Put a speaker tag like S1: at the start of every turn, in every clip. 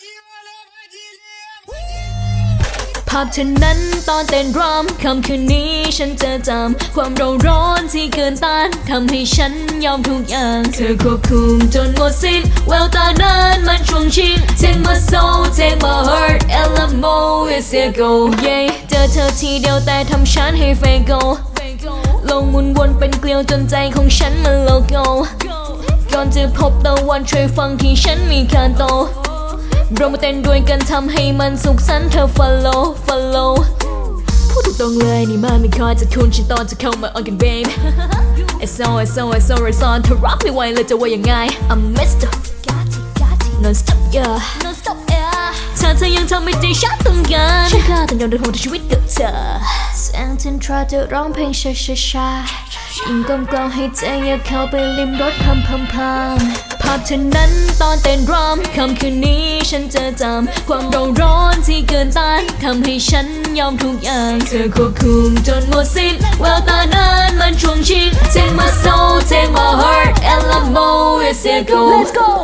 S1: ภาพเธอนั้นตอนเต้นรำค่ำคืนนี้ฉันจะจำความร้อนที่เกินต้านทำให้ฉันยอมทุกอย่างเธอควบคุมจนหมดสิ้นแววตานั้นมันช่วงชิง Take my soul take my heart LMO is a go yeah เจอเธอทีเดียวแต่ทำฉันให้เฟโกลงหมุนวนเป็นเกลียวจนใจของฉันมันโลโก้ก่อนจะพบตะวันช่วยฟังที่ฉันมีคาโตเรามาเต้นด้วยกันทำให้มันสุขสันต์เธอ follow พูดตรงๆเลยนี่มันไม่ค่อยจะคุ้นฉันตอนจะเข้ามา on กัน babe SO เธอรับไม่ไหวเลยจะว่ายังไง I'm Mr. non stop yeah ถ้าเธอยังทำให้ใจฉันต้องการฉันกล้าต้องยอมเดินทางชีวิตกับเธอแสงจันทราจะร้องเพลงช้ายิ่งกลมกล่อมให้ใจอยากเข้าไปลิมรสพัมภาพเธอนั้นตอนเต้นรำค่ำคืนนี้ฉันจะจำความร้อนที่เกินต้านทำให้ฉันยอมทุกอย่างเธอควบคุมจนหมดสิ้นแววตานั้นมันช่วงชิง Take my soul take my heart LMO is a go Let's go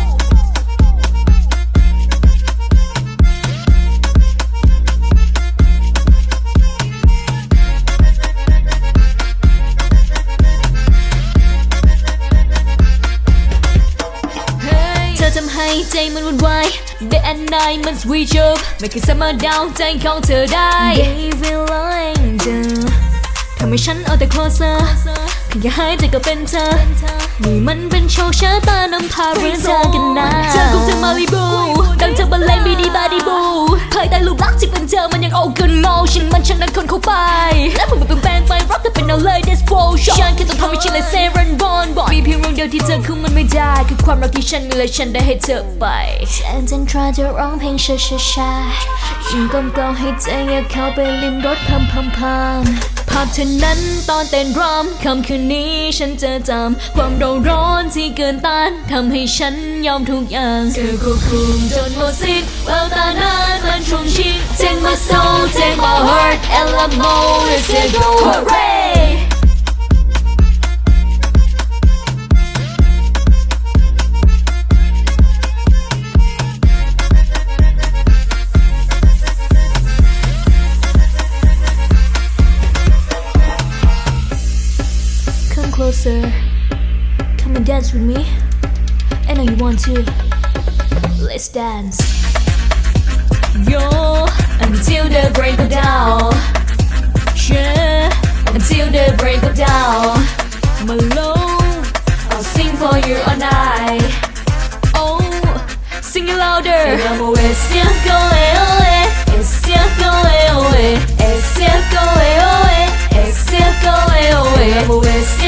S1: ทำให้ใจมันวุ่นวาย Day and night มัน switch up ไม่เคยสามารถดาวใจของเธอได้ Baby lying เธอทำให้ฉันเอาแต่ closer แค่อยากหายใจก็เป็นเธอนี่มันเป็นโชคชะตานำพาเรื่องเธอกันนะเธอคงจะมาลีบูดังเธอบรรเลงบีดีบาดีบูภายใต้รูปลักษณ์ที่เป็นเธอมันยังโอเกินมองฉันมันช่างนั้นคนเข้าไปและมันเป็นแปลงไปรักกันเป็นเอาเลย This flow shot ฉันแค่ต้องทำให้ฉันเลยเซรันบอลมีเพียงเรื่องเดียวที่เธอคือมันไม่ได้คือความรักที่ฉันมีและฉันได้ให้เธอไปแสงจันทราจะร้องเพลงช้ายิ่งกลมกล่อมให้ใจอยากเข้าไปลิมรสพัมภาพเธอนั้นตอนเต้นรำค่ำคืนนี้ฉันจะจำความร้อนที่เกินต้านทำให้ฉันยอมทุกอย่างเธอควบคุมจนหมดสิ้นแววตานั้นมันช่วงชิง Take my soul take my heart LMO is a go hooray Closer, come and dance with me. I know you want to. Let's dance. Yo, until the break of dawn. Yeah, until the break of dawn. My love, I'll sing for you all night. Oh, sing it louder. I'm always still going away. It's still going away. It's still going away. It's still going away. I'm always still